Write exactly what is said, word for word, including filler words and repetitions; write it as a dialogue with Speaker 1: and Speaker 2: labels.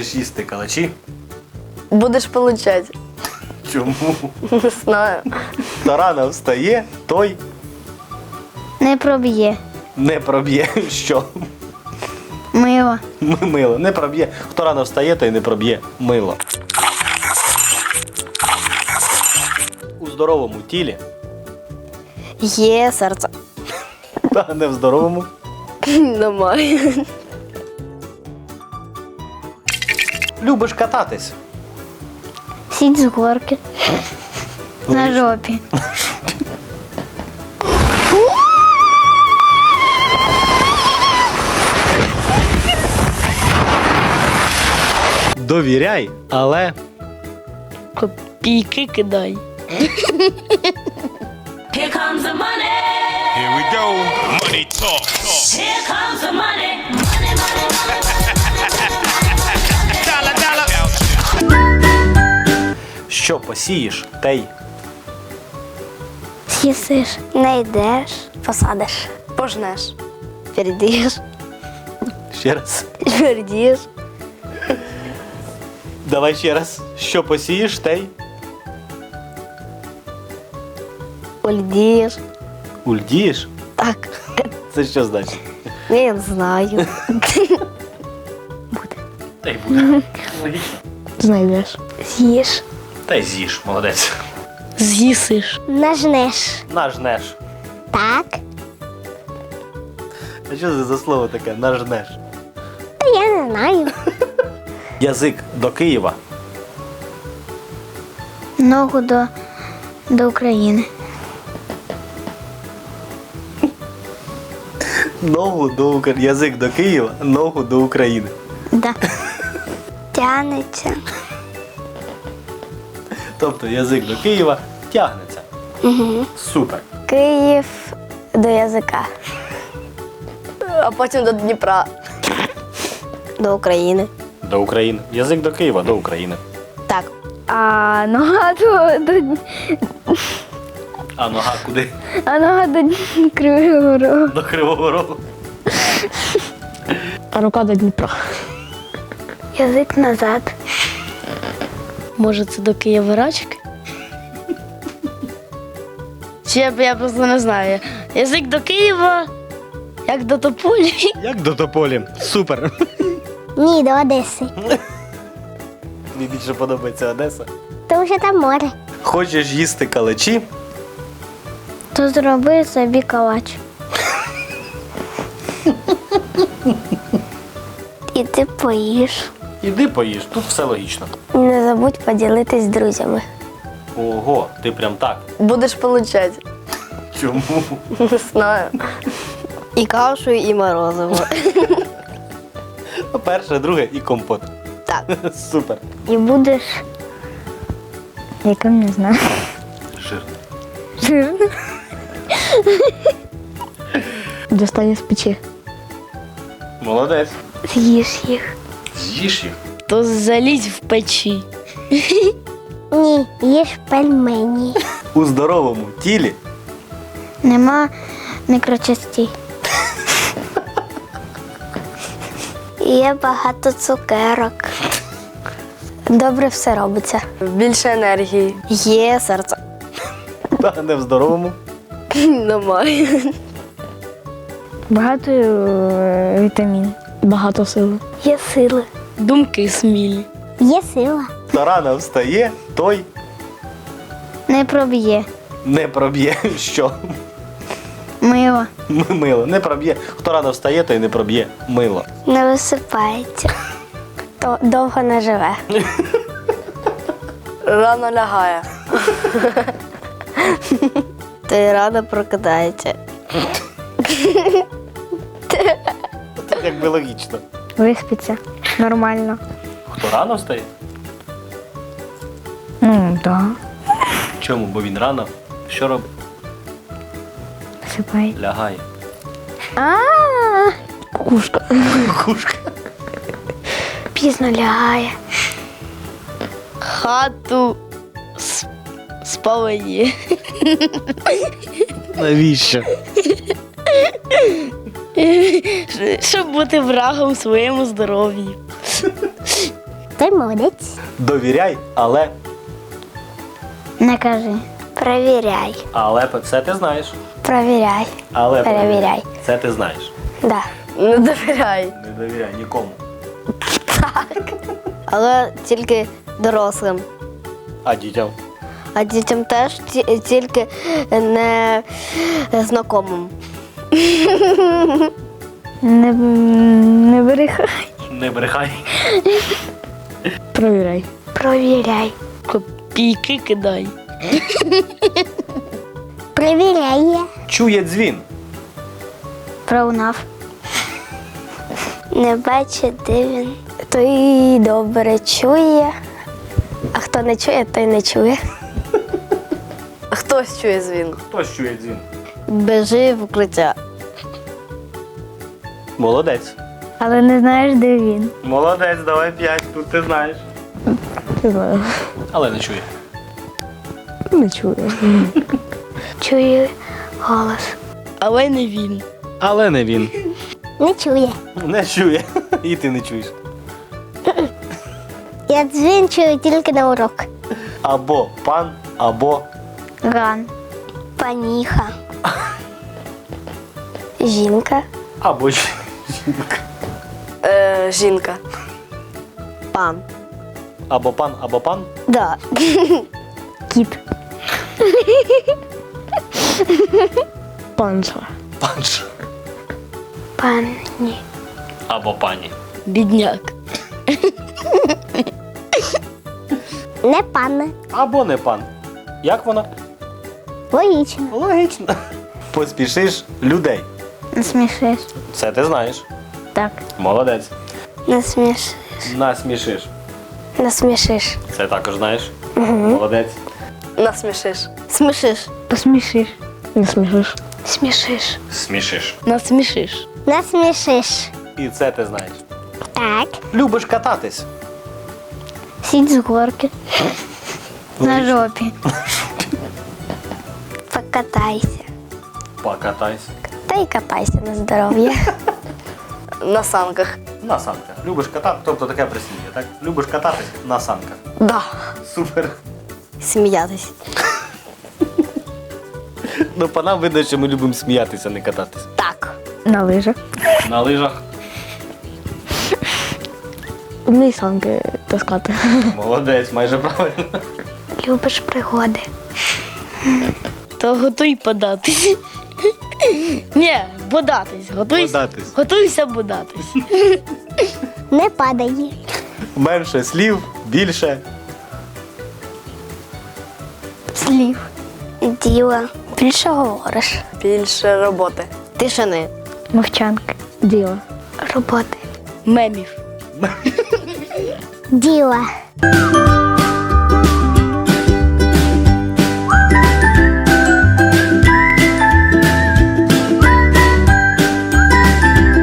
Speaker 1: Хочеш їсти калачі?
Speaker 2: Будеш получать.
Speaker 1: Чому?
Speaker 2: Не знаю.
Speaker 1: Хто рано встає, той
Speaker 3: Не проб'є.
Speaker 1: не проб'є. Що?
Speaker 3: Мило.
Speaker 1: М- Мило. Не проб'є. Хто рано встає, той не проб'є мило. У здоровому тілі,
Speaker 2: Є серце.
Speaker 1: та не в здоровому.
Speaker 2: Немає.
Speaker 1: Любиш кататись.
Speaker 3: Сідь з горки. На жопі.
Speaker 1: Довіряй, але
Speaker 2: Копійки кидай.
Speaker 4: Here comes the money.
Speaker 5: Here we go. Money talk.
Speaker 4: Here comes the money. Money, money, money.
Speaker 5: Dollar, dollar.
Speaker 1: що посієш, те й
Speaker 3: З'їсиш. Не йдеш. Посадиш.
Speaker 2: Пожнеш.
Speaker 3: Передієш.
Speaker 1: ще раз.
Speaker 3: Передієш.
Speaker 1: Давай ще раз. Що посієш, те й
Speaker 3: Ульдієш.
Speaker 1: ульдієш?
Speaker 3: Так.
Speaker 1: Це що значить?
Speaker 3: Я не знаю.
Speaker 1: Та й буде. Логічно.
Speaker 2: Знайдеш.
Speaker 3: З'їш.
Speaker 1: Та й з'їж, молодець.
Speaker 2: З'їсиш.
Speaker 3: Нажнеш.
Speaker 1: Нажнеш.
Speaker 3: Так.
Speaker 1: А що це за слово таке? Нажнеш.
Speaker 3: Та я не знаю.
Speaker 1: Язик до Києва.
Speaker 3: Ногу до, до України.
Speaker 1: Ногу до України. Язик до Києва, ногу до України.
Speaker 3: Да. Тянеться.
Speaker 1: Тобто язик до Києва тягнеться.
Speaker 3: Угу.
Speaker 1: Супер.
Speaker 3: Київ до язика.
Speaker 2: А потім до Дніпра.
Speaker 3: До України.
Speaker 1: До України. Язик до Києва, до України.
Speaker 3: Так. А нога до, до,
Speaker 1: А нога куди?
Speaker 3: а нога до Кривого Рогу.
Speaker 1: До Кривого Рогу.
Speaker 2: А рука до Дніпра.
Speaker 3: Язик назад.
Speaker 2: Може, це до Києва-Рачки? Чи я, я просто не знаю. Язик до Києва, як до Тополі.
Speaker 1: Як до Тополі? Супер.
Speaker 3: Ні, до Одеси.
Speaker 1: Мені більше подобається Одеса.
Speaker 3: Тому що там море.
Speaker 1: Хочеш їсти калачі?
Speaker 3: То зроби собі калач. І ти поїш.
Speaker 1: Іди поїж, тут все логічно.
Speaker 3: І не забудь поділитись з друзями.
Speaker 1: Ого, ти прям так.
Speaker 2: Будеш получать.
Speaker 1: Чому?
Speaker 2: Не знаю. І кашу, і морозиво.
Speaker 1: Перше, друге і компот.
Speaker 2: Так.
Speaker 1: Супер.
Speaker 3: І будеш. Яким не знаю.
Speaker 1: Жирно.
Speaker 3: Жирно.
Speaker 2: Достань з печі.
Speaker 1: Молодець.
Speaker 3: З'їш їх.
Speaker 1: З'їж їх.
Speaker 2: То залізь в печі.
Speaker 3: Ні, їж пельмені.
Speaker 1: У здоровому тілі
Speaker 3: Нема мікрочастей. Є багато цукерок. Добре все робиться.
Speaker 2: Більше енергії.
Speaker 3: Є серце.
Speaker 1: та не в здоровому.
Speaker 2: Немає.
Speaker 3: Багато вітамін.
Speaker 2: Багато сили.
Speaker 3: Є сили.
Speaker 2: Думки смілі.
Speaker 3: Є сила.
Speaker 1: Хто рано встає, той
Speaker 3: Не проб'є.
Speaker 1: не проб'є. Що?
Speaker 3: Мило.
Speaker 1: М- Мило. Не проб'є. Хто рано встає, той не проб'є мило.
Speaker 3: Не висипається. То довго не живе.
Speaker 2: Рано лягає. Ти рано прокидається.
Speaker 1: Це якби логічно.
Speaker 3: Виспиться. Нормально.
Speaker 1: Хто рано встає?
Speaker 3: Ну, так. Да.
Speaker 1: Чому? Бо він рано. Що робить?
Speaker 3: Висипає.
Speaker 1: Лягає.
Speaker 3: А,
Speaker 2: Кукушка.
Speaker 1: Кукушка.
Speaker 3: пізно лягає.
Speaker 2: Хату с- спалені.
Speaker 1: Навіщо?
Speaker 2: Щоб бути врагом своєму здоров'ю.
Speaker 3: Той молодець.
Speaker 1: Довіряй, але.
Speaker 3: Не кажи. Провіряй.
Speaker 1: Але це ти знаєш.
Speaker 3: Провіряй.
Speaker 1: Але
Speaker 3: Перевіряй.
Speaker 1: Це ти знаєш.
Speaker 3: Да.
Speaker 2: Не довіряй.
Speaker 1: Не довіряй нікому.
Speaker 6: Але тільки дорослим.
Speaker 1: А дітям?
Speaker 6: А дітям теж ті- тільки не знайомим.
Speaker 3: Не, не брехай.
Speaker 1: Не брехай.
Speaker 2: Провіряй.
Speaker 3: Провіряй.
Speaker 2: Копійки кидай.
Speaker 3: Провіряє.
Speaker 1: Чує дзвін.
Speaker 3: Проунав. Не бачить, де він. Той добре чує. А хто не чує, той не чує.
Speaker 6: Хтось чує дзвін.
Speaker 1: Хтось чує дзвін.
Speaker 6: Біжи в укриття.
Speaker 1: Молодець.
Speaker 3: Але не знаєш, де він.
Speaker 1: Молодець, давай п'ять, тут ти знаєш.
Speaker 2: Не знаю.
Speaker 1: Але не чує.
Speaker 2: Не чую.
Speaker 3: Чує голос.
Speaker 2: Але не він.
Speaker 1: Але не він.
Speaker 3: Не чує.
Speaker 1: Не чує. І ти не чуєш.
Speaker 3: Я дзвін чую тільки на урок.
Speaker 1: Або пан, або
Speaker 3: Ган. Паніха. Жінка.
Speaker 1: або жінка.
Speaker 6: Е, жінка. Пан.
Speaker 1: Або пан, або пан.
Speaker 6: Да.
Speaker 3: Кіт.
Speaker 2: Панша.
Speaker 1: Панша.
Speaker 3: Пані.
Speaker 1: Або пані.
Speaker 2: Бідняк.
Speaker 3: Не пане.
Speaker 1: Або не пан. Як вона?
Speaker 3: Логічно.
Speaker 1: Логічно. Поспішиш людей.
Speaker 3: Не смішиш.
Speaker 1: Це ти знаєш.
Speaker 3: Так.
Speaker 1: Молодець.
Speaker 3: Не смішиш.
Speaker 1: Насмішиш.
Speaker 3: Не смішиш.
Speaker 1: Це також знаєш. Молодець.
Speaker 6: Насмішиш. Смішиш.
Speaker 3: Посмішиш.
Speaker 2: Не смішиш.
Speaker 3: Смішиш.
Speaker 1: Смішиш.
Speaker 2: Насмішиш.
Speaker 3: Не смішиш.
Speaker 1: І це ти знаєш.
Speaker 3: Так.
Speaker 1: Любиш кататись.
Speaker 3: Сідь з горки. На жопі. Покатайся.
Speaker 1: Покатайся.
Speaker 3: Та й катайся на здоров'я.
Speaker 6: На санках.
Speaker 1: На санках. Любиш катати, тобто таке прислів'я, так? Любиш кататись на санках.
Speaker 6: Да.
Speaker 1: Супер.
Speaker 6: Сміятись.
Speaker 1: Ну, по нам видно, що ми любимо сміятися, а не кататись.
Speaker 6: Так.
Speaker 2: На лижах.
Speaker 1: На лижах.
Speaker 2: Вмій санки таскати.
Speaker 1: Молодець, майже правильно.
Speaker 3: Любиш пригоди.
Speaker 2: То готуй податись. Ні, бодатись. Готуйся.
Speaker 1: Бодатись.
Speaker 2: Готуйся бодатись.
Speaker 3: Не падає.
Speaker 1: Менше слів, більше.
Speaker 3: Слів. Діла. Більше говориш.
Speaker 6: Більше роботи. Тишини.
Speaker 3: Мовчанки.
Speaker 2: Діло.
Speaker 3: Роботи.
Speaker 2: Мемів.
Speaker 3: Діла.